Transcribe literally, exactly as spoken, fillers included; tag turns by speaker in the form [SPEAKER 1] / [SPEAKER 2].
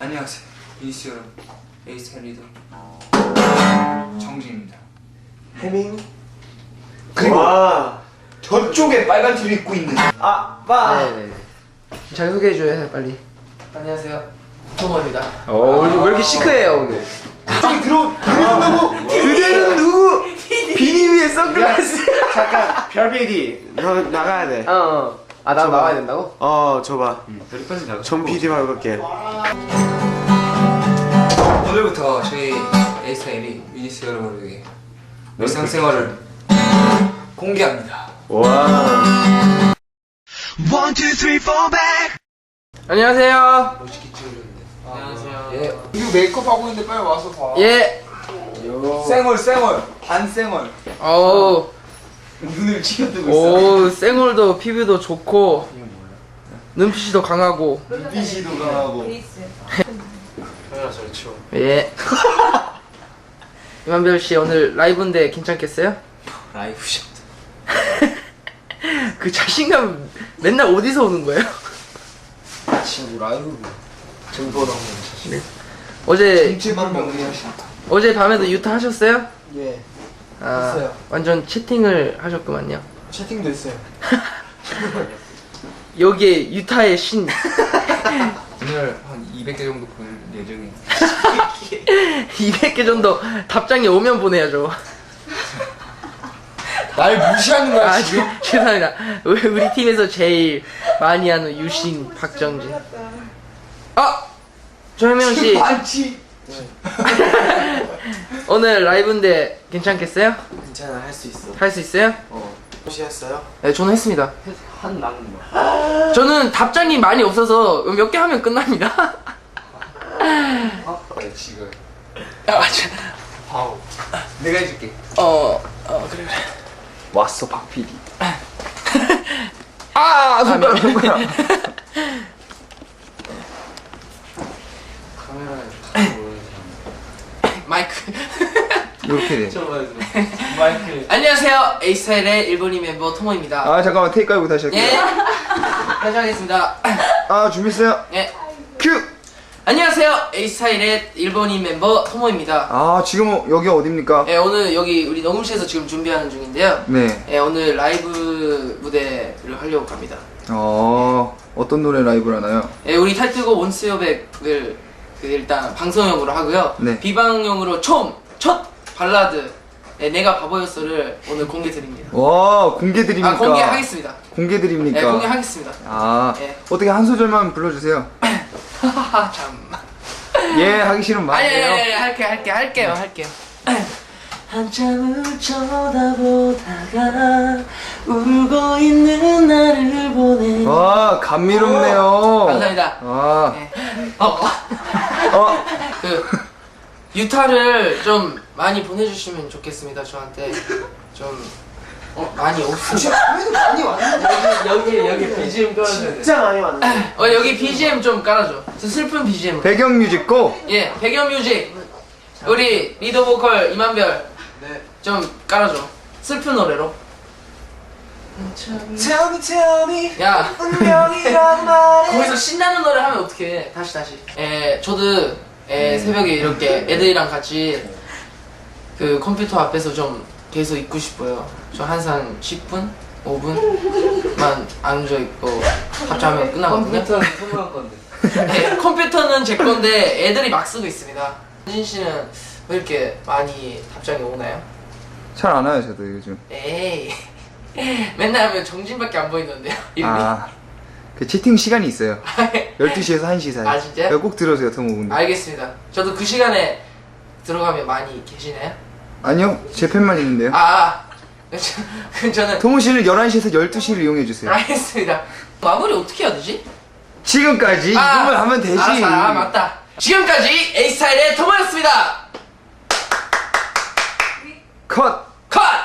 [SPEAKER 1] 안녕하세요 유니스 여러분, 에이스타일 리더 정진입니다.
[SPEAKER 2] 해밍.
[SPEAKER 1] 그리고
[SPEAKER 2] 와.
[SPEAKER 1] 저쪽에 빨간 티를 입고 있는
[SPEAKER 2] 아빠.
[SPEAKER 3] 네네네. 잘 소개해줘요 빨리.
[SPEAKER 4] 안녕하세요. 토모입니다.
[SPEAKER 3] 어 왜 이렇게 시크해요 오늘?
[SPEAKER 1] 저기 들어 들어온다고.
[SPEAKER 3] 그대는 누구? 비니 위에 선글라스.
[SPEAKER 2] 잠깐 별피디 너 나가야 돼.
[SPEAKER 3] 어. 어. 아 나 나와야 된다고?
[SPEAKER 2] 어 줘봐.
[SPEAKER 1] 여기까지 나가.
[SPEAKER 2] 전 피디 말고 갈게.
[SPEAKER 1] 오늘부터 저희 에이스타일이 유니스 여러분에게 일상생활을 공개합니다.
[SPEAKER 2] 와.
[SPEAKER 5] One, two, three, four, back.
[SPEAKER 3] 안녕하세요.
[SPEAKER 4] 안녕하세요.
[SPEAKER 1] 예. 이거 메이크업 하고 있는데 빨리 와서 봐.
[SPEAKER 3] 예.
[SPEAKER 1] 쌩얼 쌩얼 반쌩얼.
[SPEAKER 3] 어우.
[SPEAKER 1] 눈을 치켜뜨고 있어.
[SPEAKER 3] 오 쌩얼도 피부도 좋고 눈빛이 더 강하고.
[SPEAKER 1] 눈빛이도 강하고.
[SPEAKER 4] 카메라 잘 치워.
[SPEAKER 3] 예. 이만별 씨 오늘 라이브인데 괜찮겠어요?
[SPEAKER 4] 라이브 샷.
[SPEAKER 3] 그 자신감 맨날 어디서 오는 거예요?
[SPEAKER 4] 친구 라이브. 정보로 한번
[SPEAKER 3] 네. 어제
[SPEAKER 1] 정체만 명리하신다.
[SPEAKER 3] 어제 밤에도 유타 하셨어요?
[SPEAKER 2] 예.
[SPEAKER 3] 아,
[SPEAKER 2] 했어요.
[SPEAKER 3] 완전 채팅을 하셨구만요.
[SPEAKER 2] 채팅도 했어요.
[SPEAKER 3] 여기에 유타의 신.
[SPEAKER 1] 오늘 한 이백 개 정도 볼 예정이에요.
[SPEAKER 3] 이백 개 정도 답장이 오면 보내야죠.
[SPEAKER 1] 날 무시하는 거야
[SPEAKER 3] 아,
[SPEAKER 1] 지금?
[SPEAKER 3] 죄- 죄송합니다. 우리, 우리 팀에서 제일 많이 하는 유신 박정진. 아! 조현명 씨,
[SPEAKER 1] 반치.
[SPEAKER 3] 오늘 라이브인데 괜찮겠어요?
[SPEAKER 2] 괜찮아 할 수 있어.
[SPEAKER 3] 할 수 있어요?
[SPEAKER 2] 어. 혹시 했어요?
[SPEAKER 3] 네, 저는 했습니다.
[SPEAKER 4] 한 남은 거.
[SPEAKER 3] 저는 답장이 많이 없어서 몇 개 하면 끝납니다.
[SPEAKER 1] 그래 지금.
[SPEAKER 3] 아, 맞아.
[SPEAKER 1] 바우. 내가 해줄게.
[SPEAKER 3] 어, 어, 그래, 그래.
[SPEAKER 2] 왔어 박 피디.
[SPEAKER 3] 아, 손가락, 손가락.
[SPEAKER 4] 카메라에
[SPEAKER 3] 마이크.
[SPEAKER 1] 이렇게 돼.
[SPEAKER 4] 마이크.
[SPEAKER 3] 안녕하세요. 에이스타일의 일본인 멤버 토모입니다.
[SPEAKER 1] 아 잠깐만 테이크 깔고 다시 할게요.
[SPEAKER 3] 예. 다시 하겠습니다.
[SPEAKER 1] 아 준비했어요.
[SPEAKER 3] 예.
[SPEAKER 1] 큐.
[SPEAKER 3] 안녕하세요. 에이스타일의 일본인 멤버 토모입니다.
[SPEAKER 1] 아 지금 여기 어딥니까?
[SPEAKER 3] 예, 오늘 여기 우리 녹음실에서 지금 준비하는 중인데요.
[SPEAKER 1] 네.
[SPEAKER 3] 예, 오늘 라이브 무대를 하려고 합니다.
[SPEAKER 1] 어 어떤 노래 라이브를 하나요?
[SPEAKER 3] 예, 우리 타이틀곡 온스여백을 그 일단 방송용으로 하고요.
[SPEAKER 1] 네.
[SPEAKER 3] 비방용으로 처음 첫 발라드 예, 내가 바보였어를 오늘 공개 드립니다.
[SPEAKER 1] 와 공개 드립니까?
[SPEAKER 3] 아, 공개하겠습니다.
[SPEAKER 1] 공개 드립니까?
[SPEAKER 3] 예, 공개하겠습니다.
[SPEAKER 1] 아
[SPEAKER 3] 예.
[SPEAKER 1] 어떻게 한 소절만 불러주세요.
[SPEAKER 3] 하하하 참.
[SPEAKER 1] 예 하기 싫으면
[SPEAKER 3] 아니, 아니,
[SPEAKER 1] 말해요.
[SPEAKER 3] 아니, 아니, 할게, 할게, 할게요, 할게요. 한참을 쳐다보다가 울고 있는 나를 보내.
[SPEAKER 1] 와 감미롭네요.
[SPEAKER 3] 감사합니다.
[SPEAKER 1] 아,
[SPEAKER 3] 네. 어, 어,
[SPEAKER 1] 어,
[SPEAKER 3] 그 유타를 좀 많이 보내주시면 좋겠습니다. 저한테 좀 어, 많이 없으면.
[SPEAKER 2] 많이 왔는데.
[SPEAKER 4] 여기 여기 비지엠 깔아줘야 돼.
[SPEAKER 2] 진짜 많이 왔는데.
[SPEAKER 3] 어, 여기 비지엠 좀 깔아줘. 저 슬픈 비지엠.
[SPEAKER 1] 배경 뮤직 고.
[SPEAKER 3] 예, 배경 뮤직. 우리 리더 보컬 이만별
[SPEAKER 4] 네.
[SPEAKER 3] 좀 깔아줘. 슬픈 노래로.
[SPEAKER 2] Tell me, tell me.
[SPEAKER 3] 야.
[SPEAKER 2] 운명이란 말에.
[SPEAKER 3] 거기서 신나는 노래 하면 어떡해. 다시 다시. 에 저도 에, 새벽에 이렇게 애들이랑 같이 그 컴퓨터 앞에서 좀 계속 있고 싶어요. 저 항상 십 분? 오 분만 앉아있고 합체하면 끝나거든요.
[SPEAKER 4] 컴퓨터는 소모한 건데.
[SPEAKER 3] 네, 컴퓨터는 제 건데 애들이 막 쓰고 있습니다. 현진 씨는 왜 이렇게 많이 답장이 오나요?
[SPEAKER 1] 잘 안 와요 저도 요즘.
[SPEAKER 3] 에이 맨날 하면 정진밖에 안 보이던데요. 이름이.
[SPEAKER 1] 아, 그 채팅 시간이 있어요. 열두 시에서 한 시 사이.
[SPEAKER 3] 아, 진짜요?
[SPEAKER 1] 그거 꼭 들어주세요 토모분들.
[SPEAKER 3] 알겠습니다. 저도 그 시간에 들어가면 많이 계시나요?
[SPEAKER 1] 아니요 제 팬만 있는데요.
[SPEAKER 3] 아, 저- 그럼 저는
[SPEAKER 1] 토모 씨는 열한 시에서 열두 시를 이용해 주세요.
[SPEAKER 3] 알겠습니다. 마무리 어떻게 해야 되지?
[SPEAKER 1] 지금까지 이것만 하면 되지.
[SPEAKER 3] 알았어, 아, 맞다. 지금까지 에이스타일의 토모였습니다.
[SPEAKER 1] 컷.
[SPEAKER 3] 컷!